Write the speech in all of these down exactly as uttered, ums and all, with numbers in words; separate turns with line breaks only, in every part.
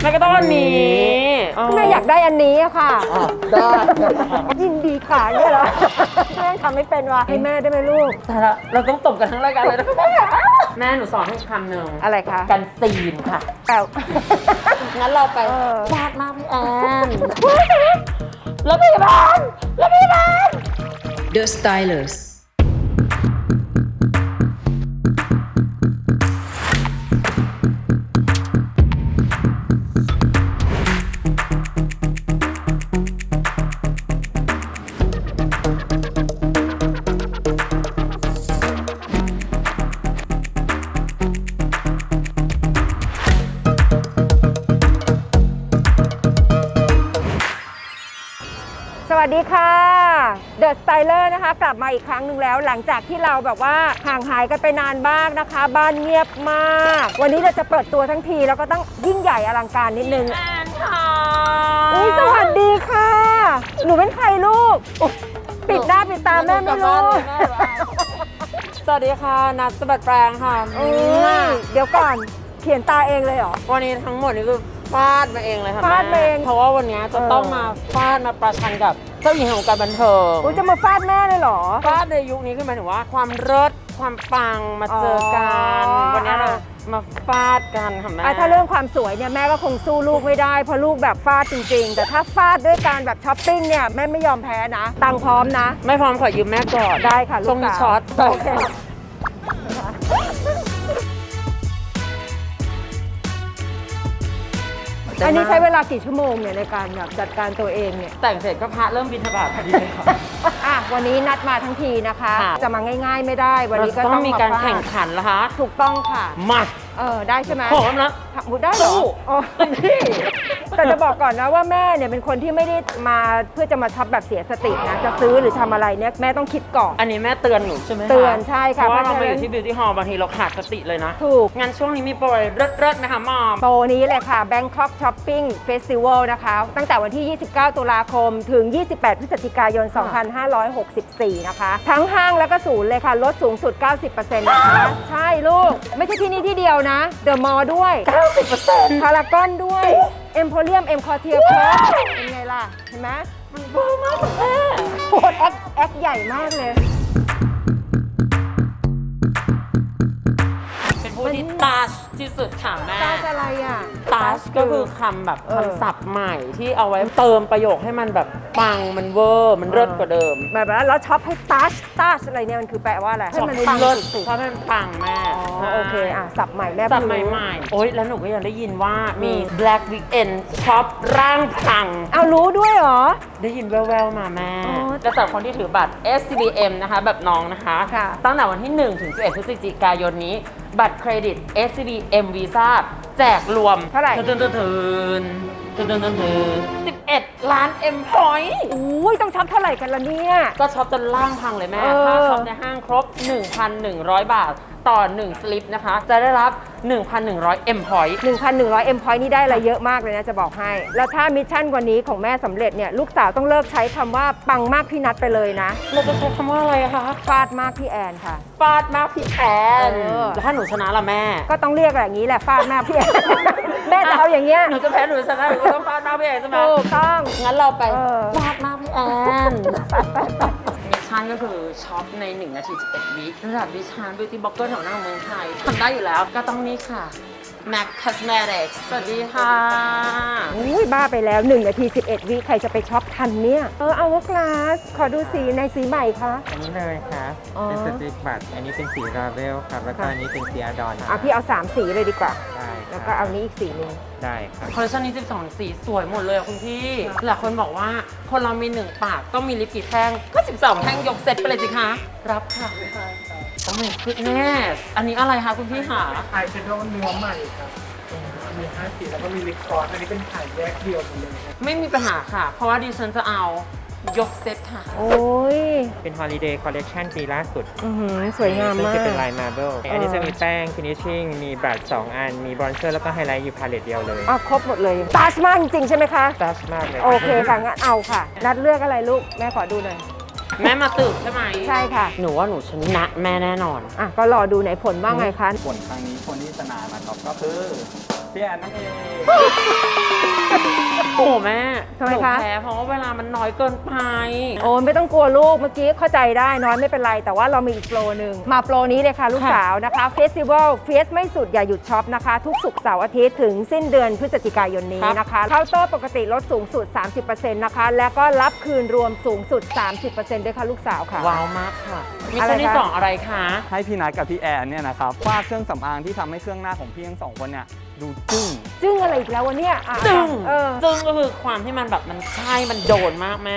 แม่ก็ต้องอันนี้
แม่อยากได้อันนี้อะค่ะได้ยินดีค่ะเนี่ยเหรอแม่ทำไม่เป็นวะให้แม่ได้ไหมลูก
แต่ละเราต้องตบกันทั้งรายการเลยนะแม่หนูสอนให้คำหนึ่ง
อะไรคะ
กันซีนค่ะ
แต่
งั้นเราไป
เออ
ฟาดมากพี่แอนแล้วพยาบาลแล้วพยาบาล
The Stylers
สวัสดีค่ะ The Styler นะคะ กลับมาอีกครั้งหนึ่งแล้วหลังจากที่เราแบบว่าห่างหายกันไปนานบ้างนะคะ บ้านเงียบมาก วันนี้เราจะเปิดตัวทั้งทีแล้วก็ต้องยิ่งใหญ่อลังการนิดนึง
แอนค่ะ
อุ้ยสวัสดีค่ะ หนูเป็นใครลูกอุ๊ยปิดหน้าปิดตาแม่ไม่รู้
สวัสดีค่ะนัทสะบัดแปลงค่ะ
อุ้ยเดี๋ยวก่อนเขียนตาเองเลยเหรอ
วันนี้ทั้งหมดนี่คือฟาดมาเองเลยค่ะ
ฟาดมาเอง
เพราะว่าวันนี้จะต้องมาฟาดมาประชันกับเจ้าหญิงแห่งวงการบันเทิง
อุ้ยจะมาฟาดแม่เลยเหรอ
ฟาดในยุคนี้คือหมายถึงว่าความเลิศความปังมาเจอกัน
อ๋อ
วันนี้เรามาฟาดกันค่ะแม่
อ่ะถ้าเรื่องความสวยเนี่ยแม่ก็คงสู้ลูกไม่ได้เพราะลูกแบบฟาดจริงๆ แต่ถ้าฟาดด้วยการแบบช้อปปิ้งเนี่ยแม่ไม่ยอมแพ้นะ ตังค์พร้อมนะ
ไม่พร้อมขอยืมแม่ก่อน
ได้ค่ะลูก
ช่วงนี้
สาว
ช็อต
โอเคอันนี้ใช้เวลากี่ชั่วโมงเนี่ยในการแบบจัดการตัวเองเนี่ย
แต่งเสร็จก็พระเริ่มบิณฑบาตพอดีเลยค่ะ
อ่ะวันนี้นัดมาทั้งทีนะคะ
ค่ะ
จะมาง่ายๆไม่ได้ วัน
เรา
นี้ก็
ต้
ต้
อ
อง ง
มี
มา
การ
ฟาด
แข่งขันแล้วคะ
ถูกต้องค่ะ
มา
เออได้ใช่ไหม
พร้อมแล้ว
ทำได้เหรอ
สู้
อ๋อพี่แต่จะบอกก่อนนะว่าแม่เนี่ยเป็นคนที่ไม่ได้มาเพื่อจะมาช็อปแบบเสียสตินะ จะซื้อหรือทำอะไรเนี่ยแม่ต้องคิดก่อน
อันนี้แม่เตือนหนูใช่ไหมคะ
เตือนใช่ค่ะ
เพราะว่า
เพ
เรา
ราะ
ไป
ฉะ
อ
นั้น
ยู่ที่ Beauty Hall บางทีเราขาดสติเลยนะ
ถูก
งั้นช่วงนี้มีโปรอะไรเลิศๆไหมคะมอม
โปรนี้เลยค่ะ Bangkok Shopping Festival นะคะ ตั้งแต่วันที่ ยี่สิบเก้า ตุลาคม ถึง ยี่สิบแปด พฤศจิกายน สองพันห้าร้อยหกสิบสี่ นะคะ ทั้งห้างและก็ศูนย์เลยค่ะ ลดสูงสุด เก้าสิบเปอร์เซ็นต์ นะคะ ใช่ลูก ไม่ใช่ที่นี่ที่เดียวนะ เดอะมอลล์ด้วย
เก้าสิบเปอร์เซ็นต์
พารากอนด้วยเอ็มโพเรียมเอ็มคอเทียครบเป็นไงล่ะ เห็นไหม
มันเบอร์มากแม่
โคตรแอคแอคใหญ่มากเลย
เป็นผู้ที่ตาชที่สุดค่ะแม่
ตาจะอะไรอ่ะ
ตาชก็คือคำแบบ
เออ
คำศัพท์ใหม่ที่เอาไว้เติมประโยคให้มันแบบปังมันเวอร์มันเลิศกว่าเดิม
แบบว่าแล้วช็อปให้ตัชตัชอะไรเนี่ยมันคือแปลว่าอะไร
ชอบ
มัน
ให้
ปัง
เลิศ
สุด
ชอบให้มันปังแม่
ๆอ๋อโอเคอ่ะสับใหม่แม่
สับ
เพิ่งรู้
ใหม่ๆโอ๊ยแล้วหนูก็ยังได้ยินว่ามี Black Weekend ช็อปร่างพัง
เอารู้ด้วยเหรอ
ได้ยินแววๆมาแม่
อ๋อ
และสำหรับคนที่ถือบัตร เอส ซี บี เอ็ม นะคะ แบบน้องนะคะ
ค่ะ
ตั้งแต่วันที่ หนึ่ง ถึง สิบเอ็ด พฤศจิกายนนี้ บัตรเครดิต เอส ซี บี เอ็ม Visa แจกรวม
เท่าไหร่
เทินเทินเทินเทินเทินเทินเทินสิบเอ็ด ล้าน M point
อุ้ยต้องช็อปเท่าไหร่กันล่ะเนี่ย
ก็ช็อปจนล่างพังเลยแม่
เออ
ถ้าช็อปในห้างครบ หนึ่งพันหนึ่งร้อย บาท ต่อ หนึ่ง สลิปนะคะ จะได้รับ หนึ่งพันหนึ่งร้อย M point
หนึ่งพันหนึ่งร้อย M point นี่ได้อะไรเยอะมากเลยนะจะบอกให้ แล้วถ้ามิชชั่นวันนี้ของแม่สำเร็จเนี่ยลูกสาวต้องเลิกใช้คำว่าปังมากพี่นัดไปเลยนะ
เราจะใช้คำว่าอะไรคะ
ฟาดมากพี่แอนค่ะ
ฟาดมากพี่แอน
เออ
แล้วถ้าหนูชนะล่ะแม่
ก็ต้องเรียกแบบนี้แหละฟาดมากพี่แอน แม่จะเอาอย่างเงี้ย
หนูจะแพ้หนูจะชนะหนูก็ต้องฟาดหน้าพี่แอนใช่ไหม
ถูกต้อง
งั้นเราไป
เออ
ฟาดหน้าพี่แอนมิชชั่นก็คือช็อปในหนึ่งนาทีสิบเอ็ดวิระดับดิฉัน beauty blogger แถวหน้าของเมืองไทยทำได้อยู่แล้วก็ต้องนี่ค่ะ Mac Cosmetics สวัสดีค่ะ
อุ้ยบ้าไปแล้วหนึ่งนาทีสิบเอ็ดวิใครจะไปช็อปทันเนี่ย เออเอาว่าคลาสขอดูสีในสีใหม่คะ
อันนี้เลยครับ
อ๋อ
เป็นสตรีทบัตอันนี้เป็นสีราเวลครับ แล้วก็
ค่ะ
อันนี้เป็นสีอาดอน
อ่ะพี่เอาสามสีเลยดีกว่า
ได้ค
แล้ว
รับ
ก็เอานี้อีกสีหนึง
ได้ครับ
คอลเลคชันนี้สิบสองสีสวยหมดเลยอะคุณพี่ หลายคนบอกว่าคนเรามีหนึ่งปากต้องมีลิปกี่แท่ง ก็ สิบสอง แท่งยกเซตไปเลยสิคะ รับค่ะโอ้ยคุณแม่อันนี้อะไรคะคุณพี่หา
อายแชโดว์เนื้อใหม่ครับ มีห้าสีแล้วก็มีลิปซอสอันนี้เป็นขายแยกเดียวหมดเลยครับ
ไม่มีปัญหาค่ะ เพราะว่าดิฉันจะเอายกเซตค่ะ
โอ้ย
เป็นฮอลิเดย์คอลเล c ชันปีล่าสุด
อื้อหือสวยงาม
ซึ่ง
มาก
จะเป็นลายมาร์เบิลอันนี้จะมีแป้งฟินิชชิ่งมีบัตรสองอัน มีบรอนเซอร์แล้วก็ไฮไลท์อยู่พาเลตเดียวเลย
อ๋อครบหมดเลยตาชมากจริงๆใช่ไหมคะ
ตัชมากเลย
โอเคค่ะงั้นเอาค่ะ นัดเลือกอะไรลูก แม่ขอดูหน่อย
ม
แม่มาสืบใช่ไหม
ใช่ค่ะ
หนูว่าหนูชนะแม่แน่นอน
อ่ะก็รอดูไหนผลว่าไงคะ
ผลครั้งนี้คนที่ชนะนะครับก็คือพี่แอนนั่นเอง
โอ้แม่
ทำไม
หนู
คะ
แพ้เพราะว่าเวลามันน้อยเกินไป
โอ้ไม่ต้องกลัวลูกเมื่อกี้เข้าใจได้น้อยไม่เป็นไร แต่ว่าเรามีอีกโปรหนึ่งมาโปรนี้เลยค่ะลูกสาวนะคะเฟสติวัลเฟสไม่สุดอย่าหยุดช็อปนะคะ ทุกศุกร์เสาร์อาทิตย์ถึงสิ้นเดือนพฤศจิกายนนี้นะคะเคาน์เตอร์ปกติลดสูงสุด สามสิบเปอร์เซ็นต์ นะคะ แล้วก็รับคืนรวมสูงสุด สามสิบเปอร์เซ็นต์ ด้วยค่ะลูกสาวค่ะ
ว้าวมากค่ะ มี
อะไร
คนที่
คะ
สองอะไรคะ
ให้พี่นัทกับพี่แอนเนี่ยนะครับฟาดเครื่องสำอางที่ทำให้เครื่องหน้าของพี่ทั้งสองคนเนี่ยดูจึ้ง
จึ้งอะไรอีกแล้ววะเนี่ยอ่ะ
จึง
เออ
จึงก็คือความที่มันแบบมันใช่มันโดนมากแม่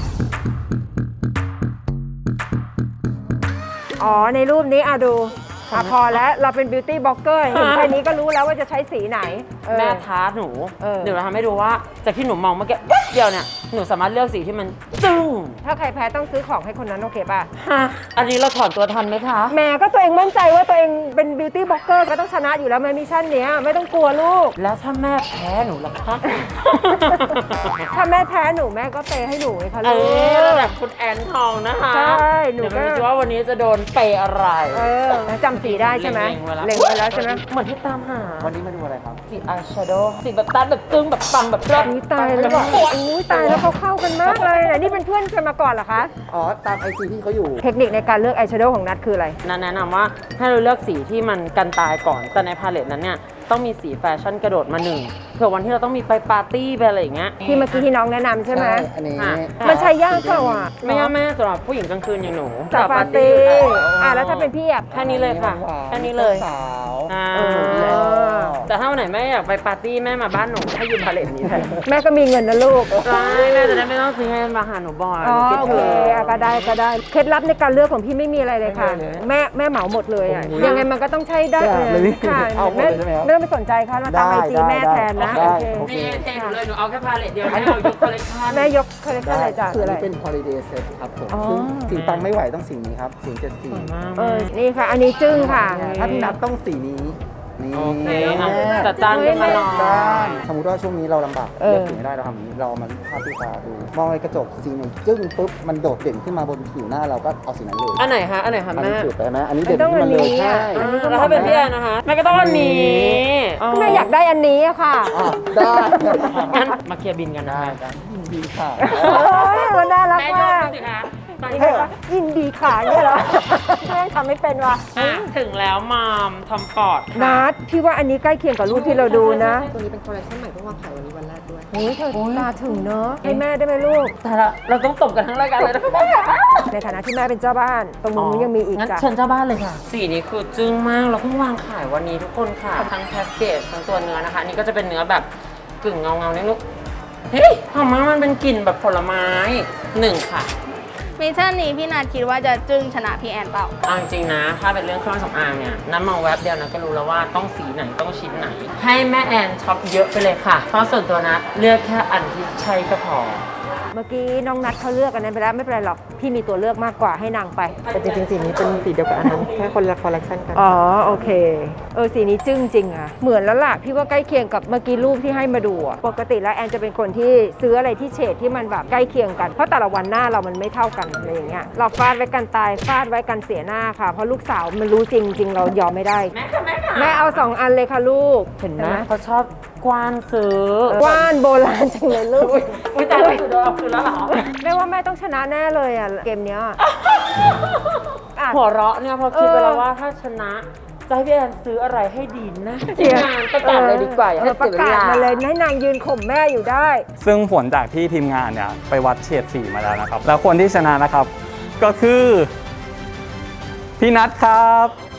อ๋อในรูปนี้อ่ะดูอ่ะพอแล้วเราเป็นบิวตี้บล็อกเกอร์เห็นแค่นี้ก็รู้แล้วว่าจะใช้สีไหนเออ
แม่ท้าหนู
เออ
เดี๋ยวเราทำให้ดูว่าจากที่หนูมองเมื่อกี้แป๊บเดียวเนี่ยหนูสามารถเลือกสีที่มันจึ้ง
ถ้าใครแพ้ต้องซื้อของให้คนนั้นโอเคป่ะ
ฮะอันนี้เราถอนตัวทันไหมคะ
แหม่ก็ตัวเองมั่นใจว่าตัวเองเป็นบิวตี้บล็อกเกอร์ก็ต้องชนะอยู่แล้วในมิชชั่นเนี้ยไม่ต้องกลัวลูก
แล้วถ้าแม่แพ้หนูล่ะคะ
ถ้าแม่แพ้หนูแม่ก็เปย์ให้หนูไงคะ
เอ
ลูก
อระดับคุณแอนทองนะคะ
ใช่หนู
เดี๋ยว
ก็
มาดูสิว่าวันนี้จะโดนเปย์อะไร
เออจำสีได้ใช่ไหม
เล็ง
เล็ง
ไว้
ไว้
แล้
แล้ว วใช่ไหม
เหมือนที่ตามหา
วันนี้มาดูอะไรครับ
สีอายแชโดว์สีแบบตัดแบบจึ้งแบบปังแบบเลิศ
อุ้ยตายแล้วอุ้ยตายแล้วเขาเข้ากันมากเลยนะนี่เป็นเพื่อนกันมาก่อนเหรอคะ
อ๋อ ตามไอจีที่เขาอยู่
เทคนิคในการเลือกอายแชโดว์ของนัทคืออะไร
นันแนะนำว่าให้เราเลือกสีที่มันกันตายก่อน แต่ในพาเลตนั้นเนี่ยต้องมีสีแฟชั่นกระโดดมาหนึ่งเผื่อวันที่เราต้องมีไปปาร์ตี้ไปอะไรอย่างเงี้ย
ที่เมื่อกี้ที่น้องแนะนำใช่ไหม
อันนี้
อ่ะ
มันใช้ยากเปล่าอ่ะ
ไม่ยากแม่สำหรับผู้หญิงกลางคืนอย่างหนู
กับปาร์ตี้
กับ
อ่ะแล้วถ้าเป็นพี่อ่ะ
แค่นี้เลยค่ะแค่นี้เลย
สาว
อ่า
เออ
แต่ถ้าวันไหนแม่อยากไปปาร์ตี้แม่มาบ้านหนูให้ยืมพาเลตนี้แทน
แม่ก็มีเงินนะลูก
ใช่แม่จะได้ไม่ต้องซื้อให้มาหาหนูบ่อย
อ๋อ
หนูคิด
โอ
ถึ
เค
ง
อ่ะก็ได้ก็ได้เคล็ดลับในการเลือกของพี่ไม่มีอะไรเลยค่ะ
ไม่มีเลย
แม่แม่เหมาหมดเลยอ่ะ
โอ้โห
ยังไงมันก็ต้องใช้ได้
ได้เลย
ค่ะ
เอาหมด
ไม่
เลยใช่ไหมครับ
ไม่ต้องไปสนใจค่ะเราตามไอจีแม่แทนนะ
ได้
โอเค
โอเค
นี่เทหนูเลยหนูเอาแค่พาเลตเดียวแม่เอายกคอลเลคชัน
แม่ยกคอลเลคชันอะไรจ้ะคืออะไร
นนี้เป็น holiday set ครับผม
อ๋อ
ซึ่งสีปังไม่ไหวต้องสีนี้ครับสีเจ็ดสี
เออนี่ค่ะ อันนี้จึ้งค่ะ
ถ้าพี่นัทต้องสีนี้ นี่
โอเค
แม่
อ่ะจัดจานขึ้นมาหน่อย
ได้สมมติว่าช่วงนี้เราลำบาก
เออ
เลือกสีไม่ได้เราทำอย่างนี้เราเอามันภาพที่ตาดู มองในกระจกสีหนึ่งจึ้งปุ๊บมันโดดเด่นขึ้นมาบนผิวหน้าเราก็เอาสีนั้นเลย
อันไหนคะอันไหนคะ
อัน
แม่
นี้สุดไปไหมอันนี้เด่น
ต้อง
ขึ้นมาเลย
อันนี้
ใช่
อ่ะ
อ่าแล้วถ้าเป็นพี่แอนนะคะแม่ก็ต้องอันนี้
แม่อยากได้อันนี้อะค่ะ
อ่ะได้
งั้นมาเคลียร์บินกันนะ
ได้
คะ
ได้ดีค่ะ
โอ้ยมันน่ารัก
แม่ย
มาก
กสิคะไป
เฮ้ยยินดีขาเนี่ยเหรอแม่ทำไม่เป็นว่ะ
อ่ะถึงแล้วมอมทอมฟอร์ดค่ะ
นัดพี่ว่าอันนี้ใกล้เคียงกับรูปที่เราดูนะ
ตัวนี้เป็นคอลเลคชันใหม่เพิ่งวางขายวันนี้วันแรกด้วย
โอ้ยเธอตาถึงเนอะให้แม่ได้ไหมลูก
แต่ละเราต้องตบกันทั้งรายการเลยนะ
ในฐานะที่แม่เป็นเจ้าบ้าน ตรงนู้นยังมีอีก
งั้น
จ้ะ
เชิญเจ้าบ้านเลยค่ะ สีนี้คือจึ้งมาก เราเพิ่งวางขายวันนี้ทุกคนค่ะ ทั้งแพ็กเกจทั้งตัวเนื้อนะคะ อันนี่ก็จะเป็นเนื้อแบบกึ่งเงาเงาๆนิดนึงเฮ้ยหอมมากมันเป็นกลิ่นแบบผลไม้หนึ่งค่ะ
มิชชั่นนี้พี่นาคิดว่าจะจึ้งชนะพี่แอนเปล่า
เอาจริงๆนะ ถ้าเป็นเรื่องเครื่องสำอางเนี่ยน้ำมองแวบเดียวนะก็รู้แล้วว่าต้องสีไหนต้องชิ้นไหน ให้แม่แอนช็อปเยอะไปเลยค่ะ เพราะส่วนตัวนะเลือกแค่อันที่ใช่ก็พอ
เมื่อกี้น้องนัดเขาเลือกอันนั้นไปแล้วไม่เป็นไรหรอก พี่มีตัวเลือกมากกว่าให้นางไป
แต่จริงๆสีนี้เป็นสีเดียวกับอันนั้น แค่คนละคอลเลคชันกัน
อ๋อโอเค เออสีนี้จึ้งจริงอะเหมือนแล้วล่ะพี่ว่าใกล้เคียงกับเมื่อกี้รูปที่ให้มาดูอะปกติแล้วแอนจะเป็นคนที่ซื้ออะไรที่เฉดที่มันแบบใกล้เคียงกันเพราะแต่ละวันหน้าเรามันไม่เท่ากันอะไรอย่างเงี้ยเราฟาดไว้กันตายฟาดไว้กันเสียหน้าค่ะเพราะลูกสาวมันรู้จริงจริงเรายอมไม่ได้
แม่ค่ะแม่ค่ะ
แม่เอาสองอันเลยค่ะลูก
เห็นไหมเขาชอบกว้านซื้อก
ว้านโบราณจังเลยลูก
อุ้ยอุ้ยตายแล้วคือโดนเอาคืนแล้วเหรอ
แม่ว่าแม่ต้องชนะแน่เลยอ่ะเกมเนี้ยอ่ะ
หัวเราะเนี่ยพอคิดไปแล้วว่าถ้าชนะจะให้พี่แอนซื้ออะไรให้ดีนะทีมงานประกาศเลยดีกว่าอย่าให้
ออป
เสี
ระ
ยเว
กาศ
ลา
มาเลยให้นางยืนข่มแม่อยู่ได้
ซึ่งผลจากที่ทีมงานเนี่ยไปวัดเฉดสีมาแล้วนะครับ แล้วคนที่ชนะนะครับ ก็คือพี่นัทครับ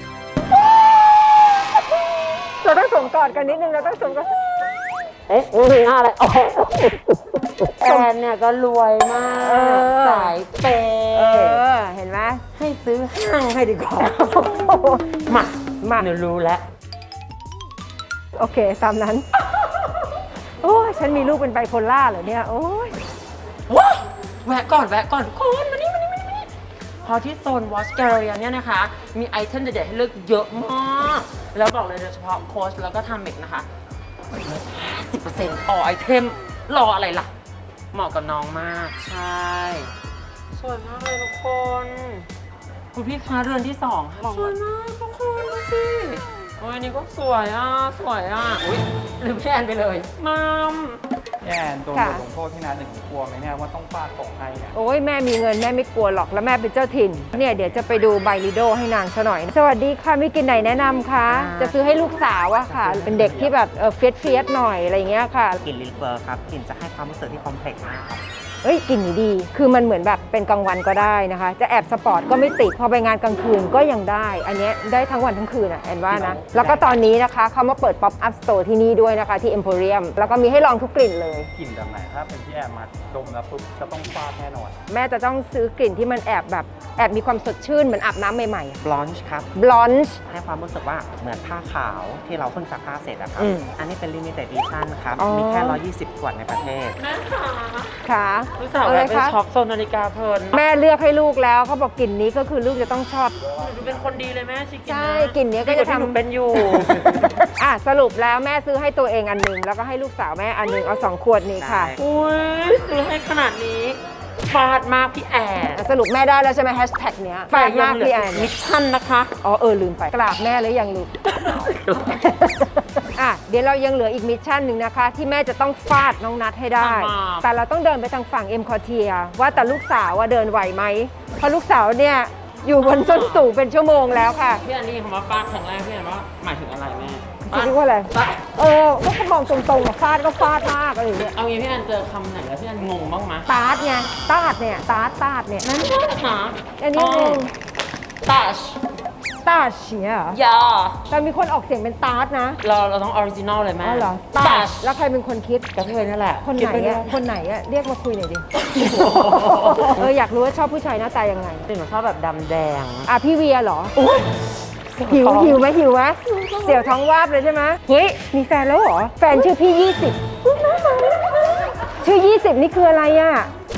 เราต้องสวมกอดกันนิดนึงเราต้องสวมกอด
เอ๊ะมือหน้าอะไรอ๋อแอนเนี่ยก็รวยมาก
เออ
สายเปย์
เออเห็นไหม
ให้ซื้อห้างให้ดีกว่า มา
มา
หนูรู้แล้ว
โอเคตามนั้น โอ้ยฉันมีลูกเป็นไบโพล่าเหรอเนี่ยโอ้ย
ว้าแวะก่อนแวะก่อนทุกคนมานี่มานี่มานี่มานี่พอที่โซน Watch Gallery เนี่ยนะคะ มีไอเทมเด็ดๆให้เลือกเยอะมาก แล้วบอกเลยโดยเฉพาะโค้ชแล้วก็ทำเมกนะคะสิบเปอร์เซ็นต์ต่อไอเทมรออะไรล่ะ เหมาะกับน้องมาก ใช่สวยมากเลยทุกคน คุณพี่คะเรือนที่สองค่ะสวยมากทุกคนดูสิโอ้ยอันนี้ก็สวยอ่ะ สวยอ่ะ อุ้ยลืมพี่แอนไปเลยมัม
แอนตัวบทลงโทษที่นาหนึ่งกลัวไหมเนี่ยว่าต้องฟาดตกให้เนี่ย
โอ้ยแม่มีเงินแม่ไม่กลัวหรอกแล้วแม่เป็นเจ้าถิ่นเนี่ยเดี๋ยวจะไปดูไบลิโดให้นางซะหน่อย สวัสดีค่ะมีกลิ่นไหนแนะนำคะจะซื้อให้ลูกสาวอะค่ะ เป็นเด็กที่แบบเออเฟียสเฟียสหน่อยอะไรเงี้ยค่ะ
กลิ่นลิลเฟอร์ครับกลิ่นจะให้ความรู้สึกที่คอมเพล็กซ์มากครับ
เอ้ยกลิ่นนี้ดี คือมันเหมือนแบบเป็นกลางวันก็ได้นะคะ จะแอบสปอร์ตก็ไม่ติด พอไปงานกลางคืนก็ยังได้ อันเนี้ยได้ทั้งวันทั้งคืนอ่ะแอนว่านะ แล้วก็ตอนนี้นะคะเขามาเปิด Pop Up Store ที่นี่ด้วยนะคะที่ Emporium แล้วก็มีให้ลองทุกกลิ่นเลย
กลิ่นแบบไหนถ้าเป็นพี่แอนมาดมแล้วปุ๊บจะต้องฟาดแน่นอน
แม่จะต้องซื้อกลิ่นที่มันแอบแบบแอบมีความสดชื่นเหมือนอาบน้ำใหม่ๆ
บลอนช์ครับ
บลอนช์
ให้ความรู้สึกว่าเหมือนผ้าขาวที่เราเพิ่งซักผ้าเสร็จอะครับ
อืม
อันนี้เป็น limited edition ครับ
อ๋อ
มีแค่ หนึ่งร้อยยี่สิบ ขวดในประเทศ
แม่ค่ะ
ค่ะ
ลูกสาว
อะ
แบ
ไร
บไป
คะ
ช็อปโซนนาฬิกาเพลิน
แม่เลือกให้ลูกแล้วเขาบอกกลิ่นนี้ก็คือลูกจะต้องชอบ
หนูเป็นคนดีเลยแม่ชิคกิน
ใช่
นะ
กลิ่นเนี้ยก็จะทำ
ดีว่าที่หนูเป็นอยู่
อ่ะสรุปแล้วแม่ซื้อให้ตัวเองอันหนึงแล้วก็ให้ลูกสาวแม่อันหนึงเอาสองขวดนี้ค่ะ
ได้
อุ้ยซื้อให้ขนาดนี้ฟาดมากพี่แอน
สรุปแม่ได้แล้วใช่ไหมแฮชแท็กเนี้ย
แต่
ฟาด
ยั
มาง ก
เหลื
พี่
อ
แอน
มิชชั่นนะคะ
อ๋อเออลืมไปกราบแม่หรือยังลูก อ่ะเดี๋ยวเรายังเหลืออีกมิชชั่นหนึ่งนะคะ ที่แม่จะต้องฟาดน้องนัทให้ได้
อ่า
แต่เราต้องเดินไปทางฝั่งเอ็มคอเทียว่าแต่ลูกสาวว่าเดินไหวไหมเพราะลูกสาวเนี่ยอยู่บนส้นสูงเป็นชั่วโมงแล้วค่ะ
พี่แอนนี่คำว่าฟาดครั้งแรกพี่แอนว่าหมายถึงอะไรแม่
คิดว่าอะไร
ฟาด
เออก็เขามองตรงๆอะฟาดก็ฟาดมากอะไรอย่างเงี้ย
เอางี้พี่แอนเจอคำไหนแล้วพี่แอนงงบ้างไหม
ตาดไงตาดเนี่ยตาดตาดเนี่ย
นั่นค่ะ
อันนี้งง
ตัช
ตาดเฉียเหรอย
า
แต่มีคนออกเสียงเป็นตาดนะ
เราเราต้องออริจินอลเลยแม่
อ๋อเหรอ
ตั
ตาด
ช
แล้วใครเป็นคนคิด
กระเทยนั่นแหละ
คนไหน
คิดปเรื่
อะ
ย
คนไหนอะเรียกมาคุยหน่อยดิ เอออยากรู้ว่าชอบผู้ชายหน้าตายังไง
หนูชอบแบบดำแดง
อ่ะพี่เวียเหรออุ๊ยหิวหิวไหมหิวไหมเสี่ยวท้องวาบเลยใช่ไหมเฮ้ยมีแฟนแล้วเหรอ แฟนชื่อพี่ยี่สิบชื่อยี่สิบนี่คืออะไรอะ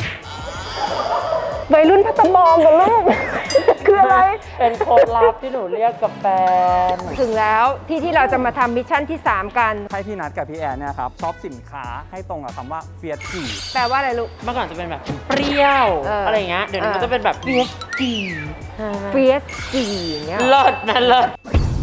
วัยรุ่นพัตตบองกันลูก คืออะไร
เป็นโค้ดลับที่หนูเรียกกับแฟน
ถึงแล้วที่ที่เราจะมาทำมิชชั่นที่ สาม กัน
ให้พี่นัทกับพี่แอนเนี่ยครับชอบสินค้าให้ตรงกับคำว่าเฟียสขี่
แปลว่าอะไรลูก
เมื่อก่อนจะเป็นแบบเปรี้ยว
เอออ
อะไรอย่างเงี้ย เดี๋ยวนี้มัน
เออ
จะเป็นแบบเฟียสกี
เฟียสจีอย่างเงี้ย
เลิศนะเลิศ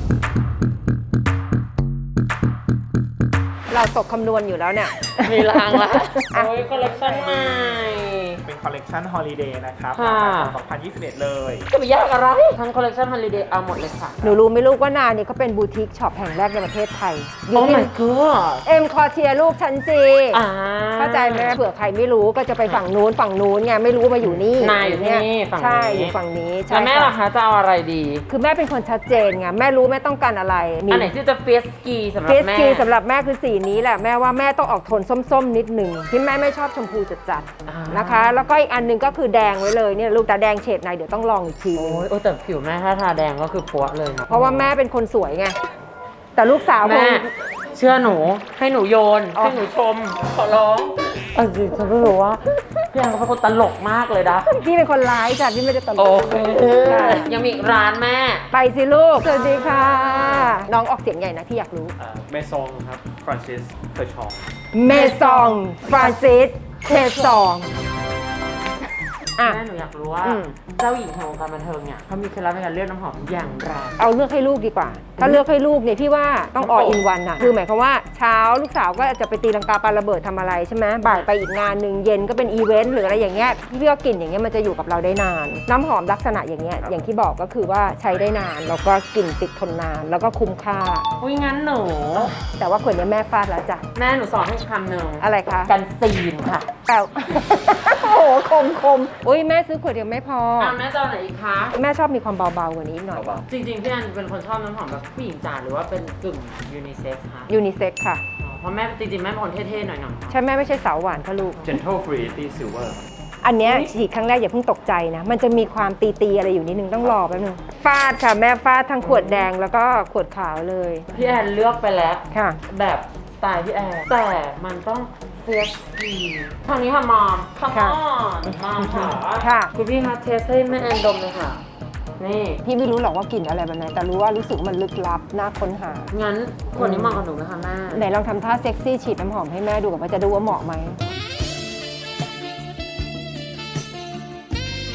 เราตกคำนวณอยู่แล้วเนี่ย
มีรางละโอ้ยคอลเลคชั่นใหม่
เป็นคอลเลกชันฮอลิเดย์นะครับ
ค่ะ
มาสองพันยี่สิบเอ็ดเลย
จะไปยากอะไรทั้งคอลเลคชันฮอลิเดย์เอาหมดเลยค่ะ
หนูรู้ไหมลูกว่านาเนี่ยเขาเป็นบูติกช็อปแห่งแรกในประเทศไทยอ
โอ้
ยู่ที่
my god
เอ็มคอเทียลูกชั้นจี
อ่า
เข้าใจไหมเผื่อใครไม่รู้ก็จะไปฝั่งนู้นฝั่งนู้นไงไม่รู้มาอยู่นี่
นายอยู่ที่นี่ฝั่งนี้
ใช่อยู่ฝั่งนี้ใช่
แล้วแม่ล่ะคะจะเอาอะไรดี
คือแม่เป็นคนชัดเจนไงแม่รู้แม่ต้องการอะไรมี
อันไหนที่จะเฟียสกีสำหรับ
เฟส
แม่
กีสำหรับแม่คือสีนี้แหละแม่ว่าแม่ต้องออกโทนส้มๆนิดหนึ่งที่แม่ไม่ชอบชมพูจัด
อ่า
ๆนะคะ แล้วก็อีกอันหนึงก็คือแดงไว้เลยเนี่ยลูกแต่แดงเฉดไหนเดี๋ยวต้องลองอีกทีนึง
โอ้ยโอ้แต่ผิวแม่ถ้าทาแดงก็คือปัวเลยนะ
เพราะว่าแม่เป็นคนสวยไงแต่ลูกสาวค
แม่
ง
เชื่อหนูให้หนูโยน
อ๋อ
ให้หนูชม ขอร้องเออจริงฉันไม่รู้ว่าพี่แอนเขาเป็นคนตลกมากเลยนะ
พี่เป็นคนร้ายจ้ะพี่ไม่ได้ตล
โอก เค
ค่ะ
ยังมีอีกร้านแม่
ไปสิลูก สวัสดีค่ะ น้องออกเสียงใหญ่นะที่อยากรู้
เมซองครับ ฟรานซิสเคอร์ชอง
เมซองฟรานซิสเทซองอ่ะ
แม่หนูอยากรู้ว่า
อืม
เจ้าหญิงแห่งวงการบันเทิงเนี่ยเขามีเคล็ดลับในการเลือกน้ำหอมอย่างไร
เอาเลือกให้ลูกดีกว่า ถ้าเลือกให้ลูกเนี่ยพี่ว่าต้อง all in one อ่ะ คือหมายความว่าเช้าลูกสาวก็จะไปตีลังกาปาระเบิดทำอะไรใช่ไหมบ่ายไปอีกงานหนึ่งเย็นก็เป็นอีเวนต์หรืออะไรอย่างเงี้ยพี่พี่ก็กลิ่นอย่างเงี้ยมันจะอยู่กับเราได้นาน น้ำหอมลักษณะอย่างเงี้ยอย่างที่บอกก็คือว่าใช้ได้นานแล้วก็กลิ่นติดทนนานแล้วก็คุ้มค่า
อุ้ยงั้นหนู
แต่ว่าขวดเนี้ยแม่ฟาดแล้วจ้ะ
แม่หนูสอนให้คำหนึ่ง
อะไรคะ
กันซีนค่ะ
แต่ โอ้โหคมคมอุ้ยแม่ซื้อขวดเดียวไม่พอ
อ่ะแม่จะเอาไหนอีกคะ
แม่ชอบมีความเบาๆกว่านี้อีกหน่อย
จริงๆพี่แอนเป็นคนชอบน้ำหอมแบบผู้หญิงจ๋าหรือว่าเป็นกึ่งยูนิเซ็กซ์คะ
ยูนิเซ็กค่ะ
อ๋อเพราะแม่จริงๆแม่เป็นคนเท่ๆหน่อย
ใช่แม่ไม่ใช่สาวหวานค่ะลูก
Gentle Fruity Silver
อันเนี้ยฉีดครั้งแรกอย่าเพิ่งตกใจนะ มันจะมีความตีๆอะไรอยู่นิดนึงต้องรอแป๊บนึง ฟาดค่ะแม่ฟาดทั้งขวดแดงแล้วก็ขวดขาวเลย
ๆพี่แอนเลือกไปแล้ว
ค่ะ
แบบสไตล์พี่แอนแต่มันต้องเฟสกีทางนี้ค่ะมอมคัม
ค่ะ
ออนมอมค่ะ
ค่ะ
คุณพี่คะเทสให้แม่แอนดมเลยค่ะ นี่
พี่ไม่รู้หรอกว่ากลิ่นอะไรแบบไหนแต่รู้ว่ารู้สึกมันลึกลับน่าค้นหา
งั้นคนนี้เหมาะกับหนูไหมคะแม่
ไหนลองทำท่าเซ็กซี่ฉีดน้ำหอมให้แม่ดูกับว่าจะดูว่าเหมาะไหม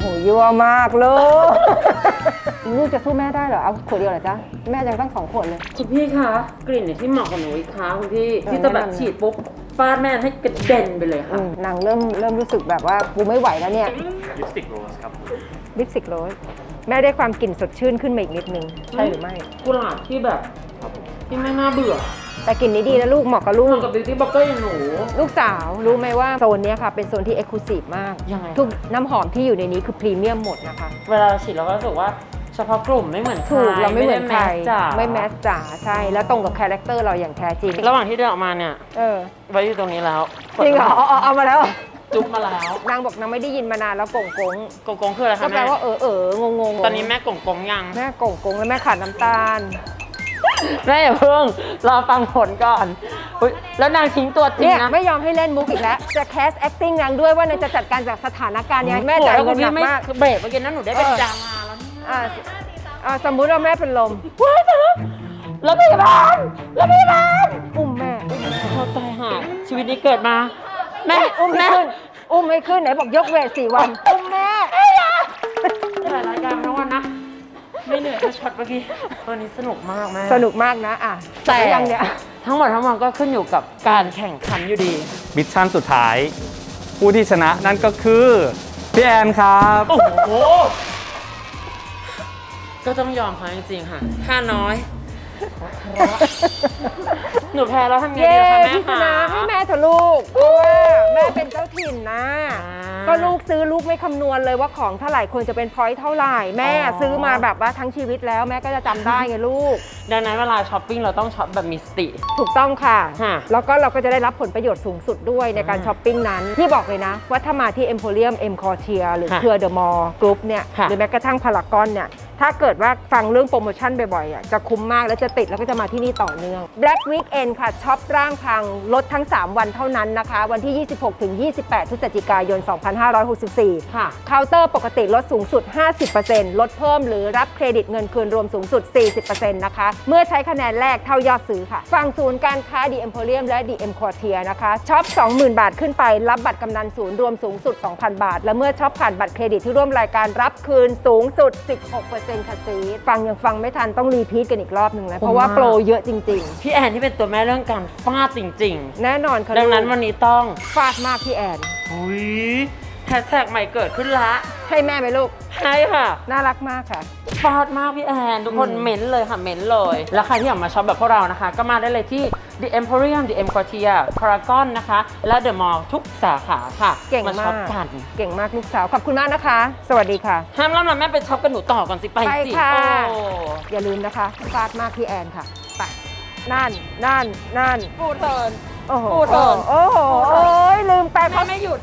หยั่วมากลูก ลูกจะสู้แม่ได้เหรอ เอาขวดเดียวเหรอจ๊ะ แม่ยังตั้งสองขวดเลย
คุณพี่คะกลิ่นเนี่ยที่เหมาะกับหนูอีกคะคุณพี่
เออ
ที่จะแบบ
แนะนำ
ฉีดปุ๊บฟาดแม่ให้กระเด็นไปเลย
อื
ค่ะ
มนางเริ่มเริ่มรู้สึกแบบว่ากูไม่ไหวแล้วเนี่ย
ลิปสติกโรสครับ
ลิปสติกโรสแม่ได้ความกลิ่นสดชื่นขึ้นมาอีกนิดนึง ใช่หรือไม่
กุหลาบที่แบบที่ไม่น่าเบื่อ
แต่กลิ่นนี้ดีนะลูกเหมาะกับลู
เหมื
ก
อนกับบิวตี้บล็อกเกอร์อย่างหนู
ลูกสาวรู้ไหมว่าโซนเนี้ยค่ะเป็นโซนที่เอ็กซ์คลูซีฟมาก
ยังไง
ทุกน้ำหอมที่อยู่ในนี้คือพรีเมียมหมดนะคะ
เวลาเราฉีดเราก็รู้สึกว่าเฉพาะกลุ่มไม่เหมือนใคร
ถูกเราไม่เหมือนใคร
ด้แสจ๋า
ไม่แมสจ๋าใช่ แล้วตรงกับคาแรคเตอร์เราอย่างแท้จริง
ระหว่างที่เดินออกมาเนี่ย
เออ
ไว้อยู่ตรงนี้แล้ว
จริงเหรอเอาเอาเอามาแล้ว
จุ๊บมาแล้ว
นางบอกนางไม่ได้ยินมานานแล้วกงกง
กงกงคืออะไร
ก็
คะ
แปล
แม่
ว่าเออเอองงง
ตอนนี้แม่กงกงยัง
แม่กงกงแล้วแม่ขาดน้ำตาล
แม่อย่าเพิ่งรอฟังผลก่อนอุ๊ยแล้วนางทิ้งตัวจริง
เนี่ย
นะ
ไม่ยอมให้เล่นมุกอีกแล้ว จะแคส acting นางด้วยว่านางจะจัดการจากสถานการณ์ยังไงแม่จ่ายเงินหนักมาก
เบรกเมื่อกี้นั้นหนูได้เป็น
เออ
ดาราแล้วเนี่ย
อ่าอ่าสมมุติว่าแม่เป็นลม
ว้ายตายแล้วแล้วพยาบาลแล้วพยาบาล
อุ้มแม่อุ้มแม่
เขาตายห่าชีวิตนี้เกิดมา แม่
อุ้มไม่
แม่
ขึ้น อุ้มไม่ขึ้นไหนบอกยกเวทสี่วัน อุ้มแม่
ถ่ายรายการมาทั้งวันนะ ไม่เหนื่อยก็ช็อตเมื่อกี้วันนี้สนุกมากแม่
สนุกมากนะอ่ะ
แต่
ยังเนี่ย
ทั้งหมดทั้งมวลก็ขึ้นอยู่กับการแข่งขันอยู่ดี
มิชชั่นสุดท้าย ผู้ที่ชนะนั่นก็คือพี่แอนครับ
โอ้โห ก็ต้องยอมเขาจริงๆค่ะ ค่าน้อย หนูแพ้แล้วทำไง
เย้
ดีล่ะคะแม่
พี่ช
คะ
นะให้แม่เถอะลูก เพราะว่าแม่เป็นเจ้าถิ่นนะ
อ่า
ก็ลูกซื้อลูกไม่คำนวณเลยว่าของเท่าไหร่ควรจะเป็นพอยต์เท่าไหร่ แม่
อ๋อ
ซื้อมาแบบว่าทั้งชีวิตแล้วแม่ก็จะจำได้ไงลูก
ดังนั้นเวลาช้อปปิ้งเราต้องช็อปแบบมีสติ
ถูกต้องค่ะ
ค่ะ
แล้วก็เราก็จะได้รับผลประโยชน์สูงสุดด้วยในการ
อ่า
ช้อปปิ้งนั้น ที่บอกเลยนะ ว่าถ้ามาที่ Emporium M Quartier หรือ
ค่ะ
เครือเดอะมอลล์กรุ๊ปเนี่ย
ค่ะ
หรือแม้กระทั่งพารากอนเนี่ย ถ้าเกิดว่าฟังเรื่องโปรโมชั่นบ่อยๆอ่ะจะคุ้มมากแล้วจะติดแล้วก็จะมาที่นี่ต่อเนื่อง Black Weekend ค่ะช็อปร่างพังลดทั้ง สาม วันเท่านั้นนะคะ วันที่ ยี่สิบหกถึงยี่สิบแปด พฤศจิกายน สองพันห้าร้อยหกสิบสี่
ค่ะ
เคาน์เตอร์ปกติลดสูงสุด ห้าสิบเปอร์เซ็นต์ ลดเพิ่มหรือรับเครดิตเงินคืนรวมสูงสุด สี่สิบเปอร์เซ็นต์ นะคะ เมื่อใช้คะแนนแรกเท่ายอดซื้อค่ะ ฝั่งศูนย์การค้า The Emporium และ The M Quartier นะคะช็อป สองหมื่น บาทขึ้นไป รับบัตรกำนันศูนย์รวมสูงสุด สองพัน บาท และเมื่อช็อปผ่านบัตรเครดิตที่ร่วมรายการรับคืนสูงสุด สิบหกเปอร์เซ็นต์ ค่ะซีฟังยังฟังไม่ทันต้องรีพีทกันอีกรอบหนึ่งแล้วเพราะว่าโปรเยอะจริง
พี่แอนที่เป็นตัวแม่เรื่องการฟาดจริง
ๆ แน่นอนค่ะ
ๆ ดังนั้นวันนี้ต้อง
ฟาดมากพี่แอน
อุ้ยแฮชแท็กใหม่เกิดขึ้นละ
ให้แม่ไหมลูก
ใช่ค่ะ
น่ารักมากค่ะ
ฟาดมากพี่แอนทุกคน
อืม
เม้นเลยค่ะเม้นเลย แล้วใครที่อยากมาช็อปแบบพวกเรานะคะ ก็มาได้เลยที่ The Emporium The M Quartier Paragon นะคะ และ The Mall ทุกสาขาค่ะ
เก่ง
มา
มา
ช็อก ปกัน
เก่งมากลูกสาวขอบคุณมากนะคะ สวัสดีค่ะ
ห้ามล่ำละแม่ไปช็อปกันหนูต่อก่อนสิไป
ไป
สิ
ค่ะ
โอ้
อย่าลืมนะคะฟาดมากพี่แอนค่ะไปนั่นนั่นนั่น
พูดเทิร์น
โอ้โห
พูดเถอะ
โอ้โหโอ้ยลืมแปล
แม่
เขา
ไม่หยุด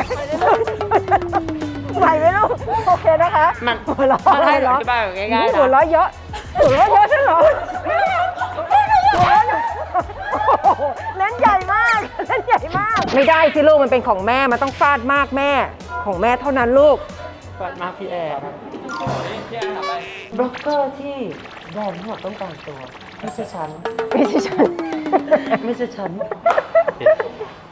ไหวไหมลูกโอเคนะคะ
มัน
หัวเราะ
มันให้
หัว
อ
เราะ
ธิบายแบบง่ายๆนะ
หัวเราะเยอะหัวเราะเยอะใช่เหรอหัวเราะเยอะโอ้โหเล่นใหญ่มากเล่นใหญ่มาก ไม่ได้สิลูกมันเป็นของแม่มันต้องฟาดมากแม่ ของแม่เท่านั้นลูก
ฟาดมากพี่แอนบล็อกเกอร์ที่แบรนด์ทั้งหมดต้องการตัว ไม่ใช่ฉัน
ไม่ใช่ฉัน
ไม่ใช่ฉัน